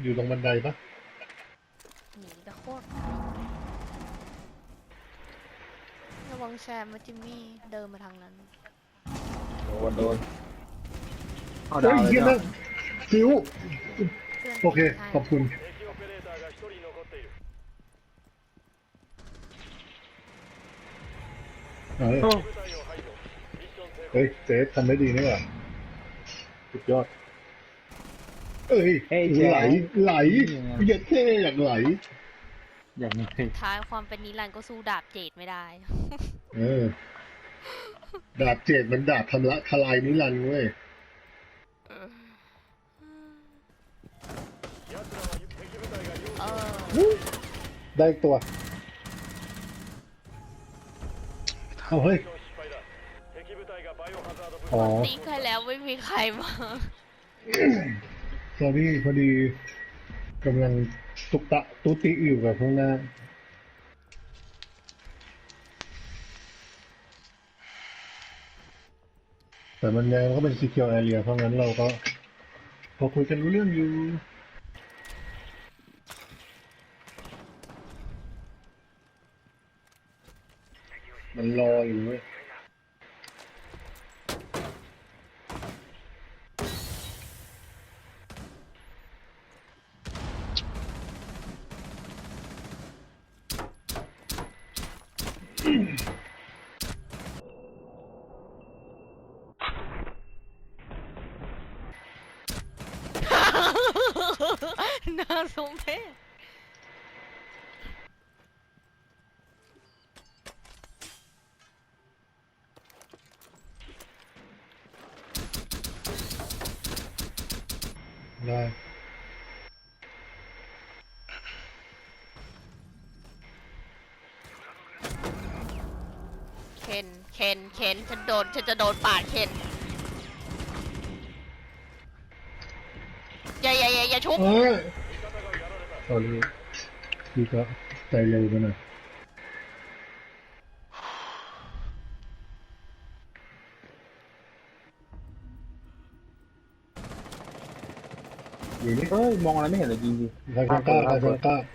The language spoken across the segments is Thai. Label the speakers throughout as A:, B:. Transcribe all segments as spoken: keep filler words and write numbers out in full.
A: อยู่ตรงบันไดปะ
B: หนีตะโคตรระวังแซมมาจิมมี่เดินมาทางนั้น
C: โดนโดนเอา
A: ดาวเลยนะฟิวโอเคขอบคุณเฮ้ยเฮ้ยเจ๊ทำได้ดีนี่หว่าสุดยอดเอ้ยไหลไหลเย็ดเท่อย่างไหล
C: อย่างนี้
B: ท้ายความเป็นนิรันดร์ก็สู้ดาบเจดไม่ได้
A: เออดาบเจดมันดาบทำละทลายนิรันดร์เว้ยได้ตัวเอาเฮ้ยอ๋อ
B: ตีใครแล้วไม่มีใครมา
A: สอรี่พอดีกำลังตุกตะตุติอยู่กับข้างหน้าแต่มันยังก็เป็น secure area เพราะงั้นเราก็พอคุยกันรู้เรื่องอยู่มันรออยู่เว้ย
B: น่าสมเพช
A: ได้
B: เคนเคนเคนฉันโดนฉันจะโดนปาดเคนอย่าอย่าอย่าอย่าชุบ
A: เฮ้ยตอนนี้พี่ก็ใจเร็วไปหน่อยอยู่นี่
C: เฮ้ยมองอะไรไม่เห็นเลยจริงจริง
A: ใครกล้าใครกล้า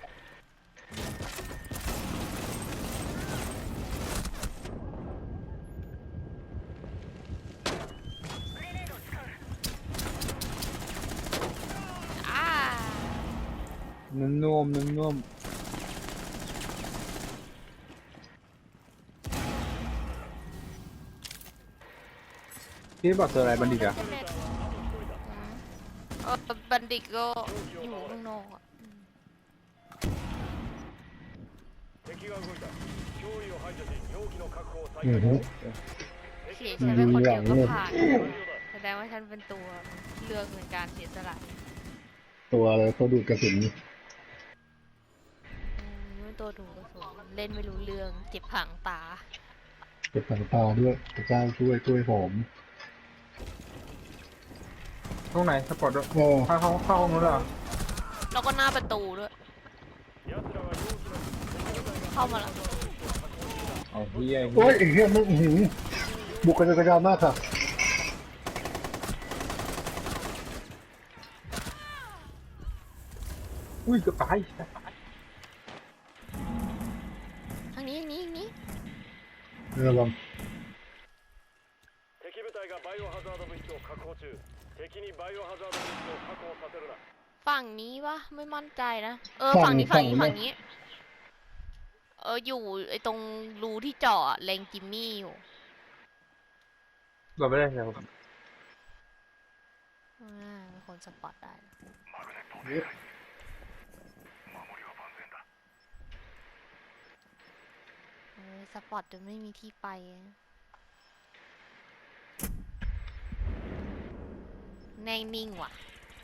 C: นุ่มนุ่มนุ่มนุ่มพี่บอกเจออะไรบัณฑิตอะ
B: เออบัณฑิตก็อยู่ข้างนอกอ่ะ
A: อือฮึ
B: เสียฉันเป็นคนเดียวก็ผ่านแสดงว่าฉันเป็นตัวเลือกในการเสียสละ
A: ตัวอะไรตัวดูดกระสุน
B: ตัวดูกระสุนเล่นไม่รู้เรื่องเจ็บผังตา
A: เจ็บผังตาด้วยพระเจ้าช่วยช่วยผม
C: ห้องไหนสปอร์ตด้วยเข้าเข้าเข้าห้องนู้นเหรอ
B: แล้วก็หน้าประตูด้วยเข้ามาแล้ว
C: เอาเฮีย
A: โอ้ยไอ้เฮียมึงหืมบุกกระจายกระจายมากค่ะ
C: อุ้ยเกือบตาย
B: ทางนี้นี้นี้
A: ระวัง
B: ฝั่งนี้วะไม่มั่นใจนะเออฝั่งนี้ฝั่งนี้ฝั่งนี้เอออยู่ไอตรงรูที่เจาะเลงจิมมี่อยู่
C: เราไม่ได้ครับ
B: อ่าเป็นคนสปอตได้สปอตจนไม่มีที่ไปแน่นิ่งว่ะ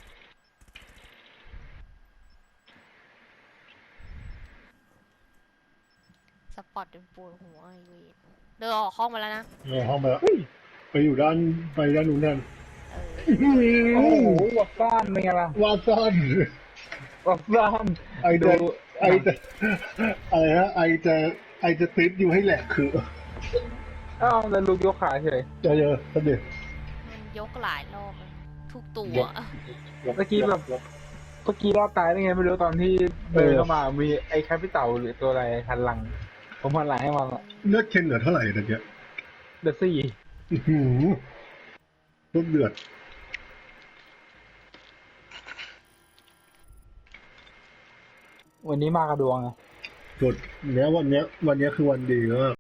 B: สปอตจนปวดหัวไอ้เวทเดินออกห้องมาแล้วนะ
A: เออห้องไปแล้วไปอยู่ด้านไปด้านนู้นนั่น
C: โอ้โหวัดซ่านเป็นไงล่ะ
A: วัดซ่าน
C: วัดซ่าน
A: ไอเดไอเดอะไรฮะไอจะไอจะติดอยู่ให้แหลกคือ
C: อ้าวแล้วลูกยกขาเฉย
A: เจอเยอะสักเดียว
B: มันยกหลายรอบทุกตัว
C: เมื่อกี้แบบเมื่อกี้รอดตายได้ไงไม่รู้ตอนที่เดินเข้ามามีไอ้แคปิเต่าหรือตัวอะไรหันหลังผมหันหลังให้มันอะ
A: เลือดเคนเหลือเท่าไหร่ตะเกียบ
C: เดอะซี่
A: อื้อหือลูกเดือด
C: วันนี้มากระดวงไง
A: กดเนี้ยวันเนี้ยวันเนี้ยคือวันดีมาก